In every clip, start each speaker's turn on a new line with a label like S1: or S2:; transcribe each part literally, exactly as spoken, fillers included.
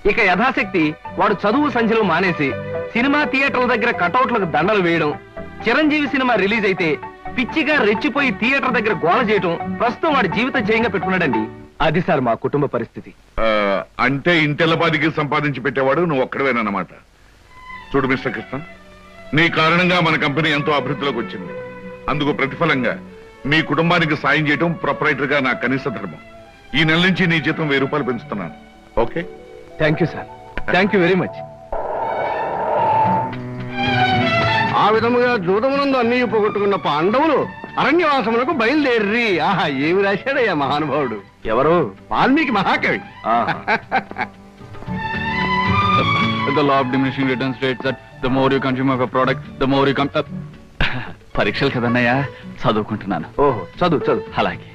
S1: ఇక యథాశక్తి వాడు చదువు సంఖ్యలు మానేసి సినిమా థియేటర్ల దగ్గర కటౌట్లకు దండలు వేయడం, చిరంజీవి సినిమా రిలీజ్ అయితే పిచ్చిగా రెచ్చిపోయి థియేటర్ దగ్గర గోల చేయడం ప్రస్తుతం వాడి జీవిత జయంగా పెట్టుకున్నాడండి. అది సార్ మా కుటుంబ పరిస్థితి.
S2: అంటే ఇంటెల్లపాదికి సంపాదించి పెట్టేవాడు నువ్వు ఒక్కడవేనన్నమాట. చూడు మిస్టర్ కృష్ణ, నీ కారణంగా మన కంపెనీ ఎంతో అభివృద్ధిలోకి వచ్చింది. అందుకు ప్రతిఫలంగా మీ కుటుంబానికి సాయం చేయడం ప్రొపరైటర్ గా నా కనీస ధర్మం. ఈ నెల నుంచి నీ జీతం వెయ్యి రూపాయలు పెంచుతున్నాను. Okay?
S1: Thank you sir, thank you very much.
S3: ఆ విధముగా జూదమునందు అన్ని పోగొట్టుకున్న పాండవులు అరణ్యవాసములకు బయలుదేర్రి. ఆహా, ఏమి రాశాడయ్యా మహానుభావుడు.
S1: ఎవరు?
S3: వాల్మీకి మహాకవి.
S4: The law of diminishing returns states that the more you consume of a product, the more you come. పరీక్షలు కదన్నయ్యా, చదువుకుంటున్నాను.
S1: ఓహో, చదువు చదువు.
S4: అలాగే.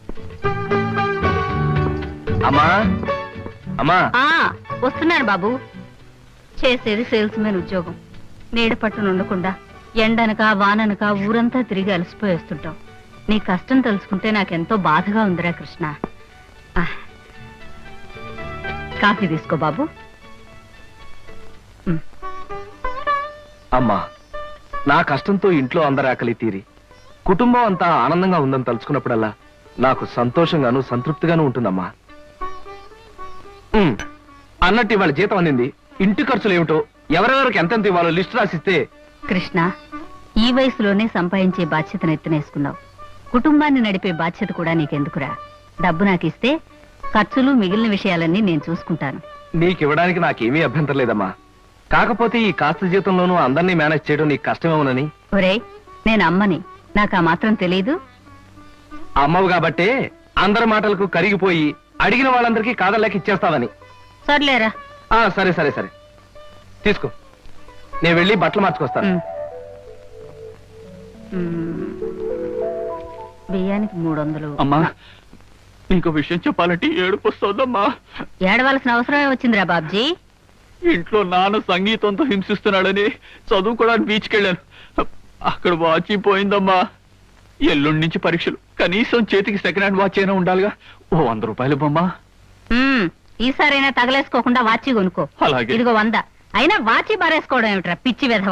S1: అమ్మా అమ్మా
S5: వస్తున్నాను బాబు. చేసేది సేల్స్ మెన్ ఉద్యోగం. నీడ పట్టును ఉండకుండా ఎండనక వాననక ఊరంతా తిరిగి అలసిపోయేస్తుంటాం. నీ కష్టం తెలుసుకుంటే నాకెంతో బాధగా ఉందిరా కృష్ణ. కాఫీ తీసుకో బాబు.
S1: అమ్మా, నా కష్టంతో ఇంట్లో అందరి ఆకలి తీరి కుటుంబం అంతా ఆనందంగా ఉందని తలుచుకున్నప్పుడల్లా నాకు సంతోషంగాను సంతృప్తిగాను ఉంటుందమ్మా. అన్నట్టు ఇవాళ జీతం అందింది. ఇంటి ఖర్చులు ఏమిటో, ఎవరెవరికి ఎంతెంత ఇవ్వాలో లిస్ట్ రాసిస్తే.
S5: కృష్ణ, ఈ వయసులోనే సంపాదించే బాధ్యతను ఎత్తునేసుకున్నావు. కుటుంబాన్ని నడిపే బాధ్యత కూడా నీకెందుకురా? డబ్బు నాకు ఇస్తే ఖర్చులు మిగిలిన విషయాలన్నీ నేను చూసుకుంటాను.
S1: నీకివ్వడానికి నాకేమీ అభ్యంతరం లేదమ్మా. కాకపోతే ఈ కాస్త జీతంలోనూ అందరినీ మేనేజ్ చేయడం నీకు కష్టమేమోనని.
S5: ఒరే, నేను అమ్మని, నాకు ఆ మాత్రం తెలీదు.
S1: అమ్మవు కాబట్టే అందరి మాటలకు కరిగిపోయి అడిగిన వాళ్ళందరికీ కాదలేక ఇచ్చేస్తావని.
S5: సర్లేరా.
S1: సరే సరే సరే తీసుకో, నేను వెళ్ళి బట్టలు మార్చుకొస్తాను.
S5: బియ్యానికి మూడు వందలు.
S4: అమ్మా, ఇంకో విషయం చెప్పాలంటే ఏడుపు వస్తుందమ్మా.
S5: ఏడవలసిన అవసరమే వచ్చిందిరా బాబ్జీ.
S4: ఇంట్లో నాన్న సంగీతంతో హింసిస్తున్నాడని చదువుకోవడానికి బీచ్కి వెళ్ళాను. అక్కడ వాచ్ పోయిందమ్మా. ఎల్లుండి నుంచి పరీక్షలు, కనీసం చేతికి సెకండ్ హ్యాండ్ వాచ్ అయినా ఉండాలిగా. ఓ వంద రూపాయలు బొమ్మా.
S5: ఈసారైనా తగలేసుకోకుండా వాచి కొనుక్కో.
S4: అలాగే.
S5: ఇదిగో వంద. అయినా వాచి బారేసుకోవడం ఏమిట్రా పిచ్చి వెధవ.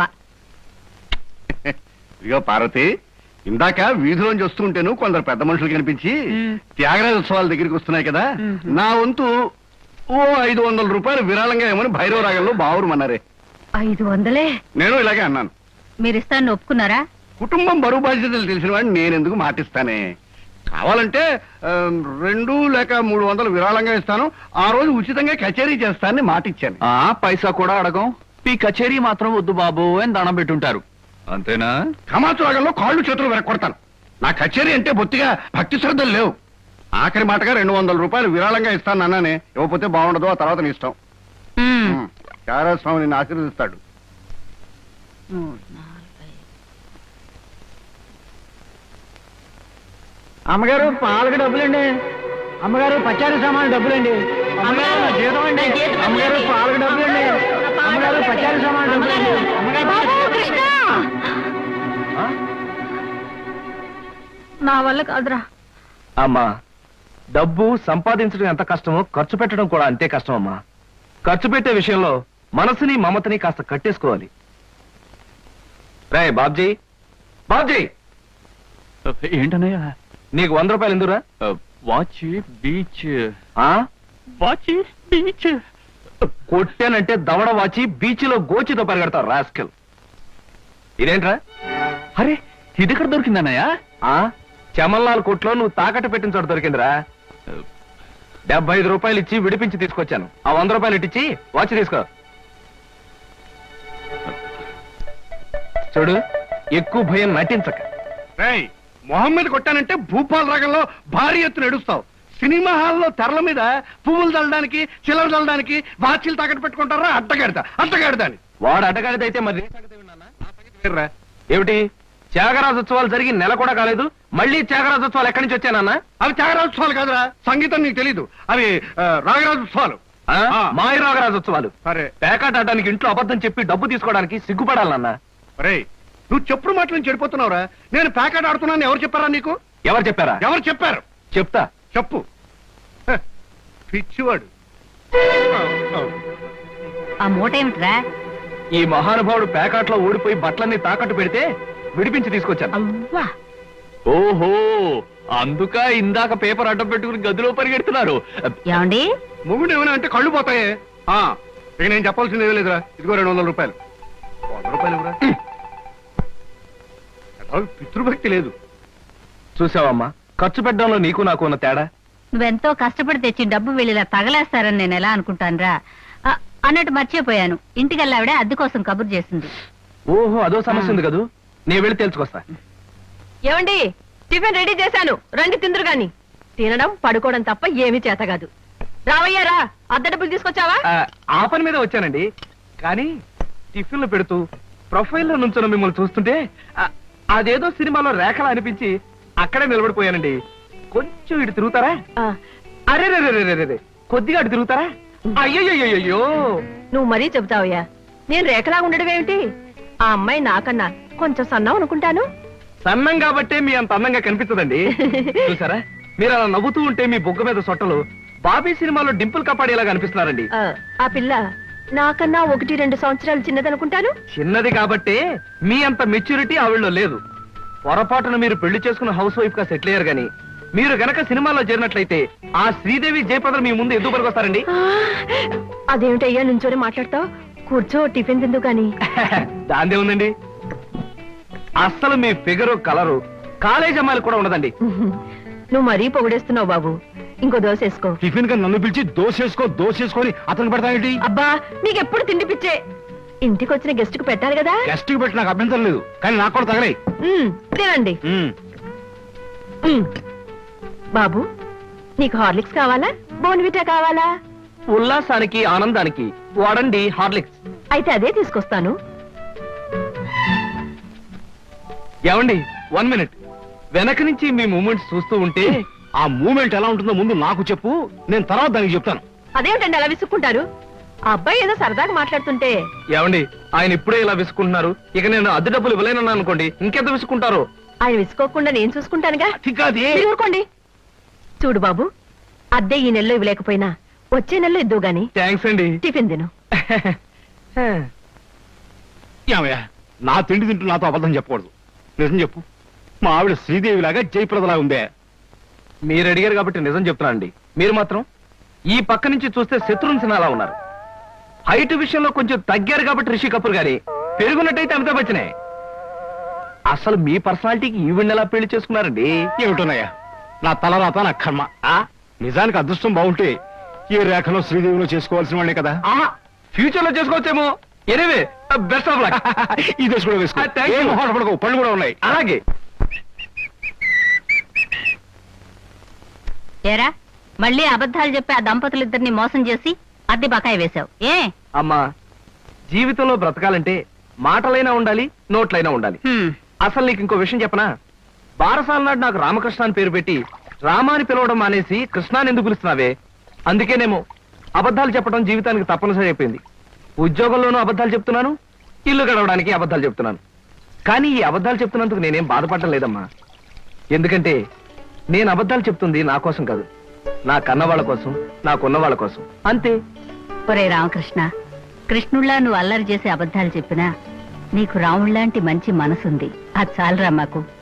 S3: ఇదిగో పార్వతి, ఇందాక వీధిలోంచి వస్తుంటేను కొందరు పెద్ద మనుషులు కనిపించి త్యాగరాజ ఉత్సవాల దగ్గరికి వస్తున్నాయి కదా, నా వంతు ఓ ఐదు వందల రూపాయలు విరాళంగా ఏమని భైరవ రాగంలో బావురమన్నారే.
S5: ఐదు వందలే?
S3: నేను ఇలాగే అన్నాను.
S5: మీరు ఇస్తాను ఒప్పుకున్నారా?
S3: కుటుంబం బరువు బాధ్యతలు తెలిసిన వాడిని నేనెందుకు మాటిస్తానే. కావాలంటే రెండు లేక మూడు వందలు విరాళంగా ఇస్తాను, ఆ రోజు ఉచితంగా కచేరీ చేస్తానని మాటిచ్చాను.
S4: ఆ పైసా కూడా అడగం. ఈ కచేరీ మాత్రం వద్దు బాబు అని దండం పెట్టుంటారు, అంతేనా?
S3: కమాతు రాగంలో కాళ్ళు చేతులు వెరక్కొడతాను. నా కచేరీ అంటే బొత్తిగా భక్తి శ్రద్ధలు లేవు. ఆఖరి మాటగా రెండు వందల రూపాయలు విరాళంగా ఇస్తాను అన్నానే. ఇవ్వకపోతే బాగుండదు, ఆ తర్వాత నీ ఇష్టం. త్యాగరాజ స్వామి నిన్ను ఆశీర్వదిస్తాడు.
S6: అమ్మగారు పాలకు డబ్బులండి. అమ్మగారు పచారీ సామాన్ డబ్బులండి. అమ్మగారు జీతం అండి. అమ్మగారు పాలకు డబ్బులండి. అమ్మగారు పచారీ సామాన్ డబ్బులండి.
S5: నా వల్ల కాదురా.
S1: అమ్మా, డబ్బు సంపాదించడం ఎంత కష్టమో ఖర్చు పెట్టడం కూడా అంతే కష్టం అమ్మా. ఖర్చు పెట్టే విషయంలో మనసుని మమతని కాస్త కట్టేసుకోవాలి. రే బాబ్జీ, బాబ్జీ,
S4: ఏంటన్నయ్యా?
S1: నీకు వంద రూపాయలు ఎందురా?
S4: వాచ్ బీచ్. వాచ్ బీచ్
S1: కొట్టానంటే దవడ వాచి బీచ్లో గోచితో పరిగెడతావు రాస్కెల్. ఇదేంట్రా?
S4: అరే, ఇది ఎక్కడ దొరికిందన్నయ్యా?
S1: చమల్లాల్ కొట్లో నువ్వు తాకట్టు పెట్టిన చోట దొరికిందిరా. డెబ్బై ఐదు రూపాయలు ఇచ్చి విడిపించి తీసుకొచ్చాను. ఆ వంద రూపాయలు ఇట్టించి వాచ్ తీసుకో. చూడు, ఎక్కువ భయం నటించక.
S3: మొహమ్మద్ కొట్టానంటే భూపాల్ రాగంలో భారీ ఎత్తున ఎడుస్తావు. సినిమా హాల్లో తెరల మీద పువ్వులు చల్లడానికి, చిల్లర చల్లడానికి వాచీలు తాకట్టు పెట్టుకుంటారా? అడ్డగాడిదా అడ్డగాడిదా అని.
S1: వాడు అడ్డగాడిదైతే మరి ఏమిటి? త్యాగరాజోత్సవాలు జరిగి నెల కూడా కాలేదు, మళ్ళీ త్యాగరాజోత్సవాలు ఎక్కడి నుంచి వచ్చానన్నా?
S3: అవి త్యాగరాజోత్సవాలు కాదురా, సంగీతం నీకు తెలీదు. అవి రాగరాజోత్సవాలు.
S1: మాయ రాగరాజోత్సవాలు.
S3: సరే,
S1: పేకాట ఆడడానికి ఇంట్లో అబద్ధం చెప్పి డబ్బు తీసుకోవడానికి సిగ్గుపడాలన్నా.
S3: అరే, నువ్వు చెప్పుడు మాటలు చెడిపోతున్నావురా. నేను పేకాట ఆడుతున్నాను ఎవరు చెప్పారా నీకు?
S1: ఎవరు చెప్పారా?
S3: ఎవరు చెప్పారు?
S1: చెప్తా,
S3: చెప్పు. పిచ్చివాడు.
S5: ఆ మూట ఏమిట్రా?
S1: ఈ మహానుభావుడు ప్యాకాట్లో ఓడిపోయి బట్టలన్నీ తాకట్టు పెడితే విడిపించి తీసుకొచ్చాను.
S5: అవ్వా,
S4: ఓహో, అందుక ఇందాక పేపర్ అడ్డం పెట్టుకుని గదిలో పరిగెడుతున్నారు.
S5: ఏమండి?
S3: మొగుడు ఏమైనా అంటే కళ్ళు పోతాయే. ఆ, ఇక నేను చెప్పాల్సింది ఏమీ లేదురా. ఇదిగో రెండు వందల రూపాయలు. వంద రూపాయలు ఇవ్వరా? అసలు పితృభక్తి లేదు.
S1: చూసావమ్మా, ఖర్చు పెట్టడంలో నీకు నాకు ఉన్న తేడా.
S5: నువ్వెంతో కష్టపడి తెచ్చి డబ్బు వెళ్ళిలా తగలేస్తారని నేను ఎలా అనుకుంటానురా? ఆ, అన్నట్టు మర్చిపోయాను. ఇంటికెళ్ళావిడే అద్దె కోసం కబురు చేసింది.
S1: ఓహో, అదో సమస్య ఉంది కదూ. నేను వెళ్ళి తెలుసుకొస్తా.
S7: ఏమండి, టిఫిన్ రెడీ చేశాను, రండి తిందురు గాని. తినడం పడుకోవడం తప్ప ఏమీ చేత కాదు. రావయ్యారా, అద్దె డబ్బులు తీసుకొచ్చావా?
S1: ఆ, ఆ పని మీద వచ్చానండి. కానీ టిఫిన్లు పెడుతూ ప్రొఫైల్లో నుంచున్న మిమ్మల్ని చూస్తుంటే ఆ, అదేదో సినిమాలో రేఖలా అనిపించి అక్కడే నిలబడిపోయానండి. కొంచెం ఇటు తిరుగుతారా?
S7: ఆ,
S1: అరే రే రే రే రే కొద్దిగా అటు తిరుగుతారా? అయ్యయ్యో,
S7: నువ్వు మరీ చెబుతావయ్యా. నేను రేఖలా ఉండడం ఏమిటి? ఆ అమ్మాయి నాకన్నా కొంచెం సన్నం అనుకుంటాను.
S1: సన్నం కాబట్టే మీ అంత అందంగా కనిపించదండి. చూసారా, మీరు అలా నవ్వుతూ ఉంటే మీ బొగ్గ మీద సొట్టలు బాబీ సినిమాలో డింపుల్ కపాడేలాగా అనిపిస్తున్నారండి.
S7: ఆ, ఆ పిల్ల నాకన్నా ఒకటి రెండు సంవత్సరాలు చిన్నదనుకుంటాను.
S1: చిన్నది కాబట్టే మీ అంత మెచ్యూరిటీ ఆవిడలో లేదు. పొరపాటున మీరు పెళ్లి చేసుకున్న హౌస్ వైఫ్ గా సెటిల్ అయ్యారు గాని మీరు గనక సినిమాలో చేరినట్లయితే ఆ శ్రీదేవి జయప్రద మీ ముందు ఎందుకు పనికొస్తారండి?
S7: ఆ, అదేమిటయ్యా నుంచోనే మాట్లాడతావు? కూర్చో, టిఫిన్ తిందు గాని.
S1: దాందే ఉందండి. అస్సలు మీ ఫిగరు కలరు కాలేజ్ అమ్మాయిలు కూడా ఉండదండి.
S7: నువ్వు మరీ పొగిడేస్తున్నావు బాబు. ఇంకో దోశ వేసుకో.
S3: టిఫిన్ గా నన్ను పిలిచి దోసేసుకో దోసేసుకొని అతను పెడతానేంటి?
S7: అబ్బా, నీకెప్పుడు తిండి పిచ్చే. ఇంటికి వచ్చిన గెస్ట్ కు పెట్టాలి కదా.
S3: గెస్ట్ కి పెట్టి నాకు అభ్యంతరం లేదు, కానీ నాకు కూడా తగలే.
S7: ఉమ్, తినండి. ఉమ్. బాబు, నీకు హార్లిక్స్ కావాలా, బోన్విటా కావాలా?
S1: ఉల్లాసానికి ఆనందానికి వాడండి హార్లిక్స్.
S7: అయితే అదే తీసుకొస్తాను.
S1: ఏమండి, వన్ మినిట్. వెనక నుంచి మీ మూమెంట్స్ చూస్తూ ఉంటే
S3: ఆ మూమెంట్ ఎలా ఉంటుందో ముందు నాకు చెప్పు, నేను తర్వాత దానికి చెప్తాను.
S7: అదేమిటండి అలా విసుక్కుంటారు? ఆ అబ్బాయి ఏదో సరదాగా మాట్లాడుతుంటే.
S1: ఏమండి, ఆయన ఇప్పుడే ఇలా విసుకుంటున్నారు. ఇక నేను అద్దె డబ్బులు ఇవ్వలేనన్నా అనుకోండి, ఇంకెంత విసుకుంటారు.
S7: ఆయన విసుకోకుండా నేను చూసుకుంటానుగా.
S1: కాదే.
S7: మీరు ఊరుకోండి. చూడు బాబు, అద్దె ఈ నెలలో ఇవ్వలేకపోయినా వచ్చే నెలలో ఇద్దు గాని.
S1: థ్యాంక్స్ అండి.
S7: టిఫిన్ తిను.
S3: ఏమయ్యా, నా తిండి తింటూ నాతో అబద్ధం చెప్పకూడదు. నిజం చెప్పు, మా ఆవిడ శ్రీదేవి లాగా జయప్రదలా ఉందే?
S1: మీరు అడిగారు కాబట్టి నిజం చెప్తున్నా అండి. మీరు మాత్రం ఈ పక్క నుంచి చూస్తే శత్రుఘ్న సిన్హా అలా ఉన్నారు. హైట్ విషయంలో కొంచెం తగ్గారు కాబట్టి రిషి కపూర్ గారి, పెరుగున్నట్టయితే అమితాబ్ బచ్చనే. అసలు మీ పర్సనాలిటీకి ఈవిడ ఎలా పెళ్లి చేసుకున్నారండి?
S3: ఏమిటోనయ్యా, నా తలరాత నా కర్మ. ఆ నిజానికి అదృష్టం బాగుంటే ఏ రేఖలో శ్రీదేవిలో చేసుకోవాల్సిన వాళ్ళే కదా.
S1: ఫ్యూచర్ లో చేసుకోవచ్చేమో. Anyway, best of luck.
S3: ఈ దశ కూడా వేసుకో.
S1: Thank you.
S3: ఏం మొహాలు పడకు, పళ్ళు కూడా ఉన్నాయి.
S1: అలాగే.
S5: ఏరా, మళ్ళీ అబద్ధాలు చెప్పి ఆ దంపతులిద్దరిని మోసం చేసి అద్దె బకాయి వేశావు ఏ?
S1: అమ్మా, జీవితంలో బ్రతకాలంటే మాటలైనా ఉండాలి, నోట్లైనా ఉండాలి.
S5: హ్మ్.
S1: అసలు నీకు ఇంకో విషయం చెప్పనా? బారసాల నాడు నాకు రామకృష్ణ అని పేరు పెట్టి రామాని పిలవడం మానేసి కృష్ణాని ఎందుకు పిలుస్తున్నావే? అందుకేనేమో అబద్ధాలు చెప్పడం జీవితానికి తప్పనిసరి అయిపోయింది. ఉద్యోగంలోనూ అబద్ధాలు చెప్తున్నాను, ఇల్లు గడవడానికి అబద్ధాలు చెప్తున్నాను. కానీ ఈ అబద్ధాలు చెప్తున్నందుకు నేనేం బాధపడటం లేదమ్మా. ఎందుకంటే నేను అబద్ధాలు చెప్తుంది నా కోసం కాదు, నా కన్నవాళ్ళ కోసం, నాకున్న వాళ్ళ కోసం, అంతే.
S5: ఒరే రామకృష్ణ, కృష్ణుళ్ళ నువ్వు అల్లరి చేసి అబద్ధాలు చెప్పినా నీకు రాముళ్లాంటి మంచి మనసుంది. అది చాలరా మాకు.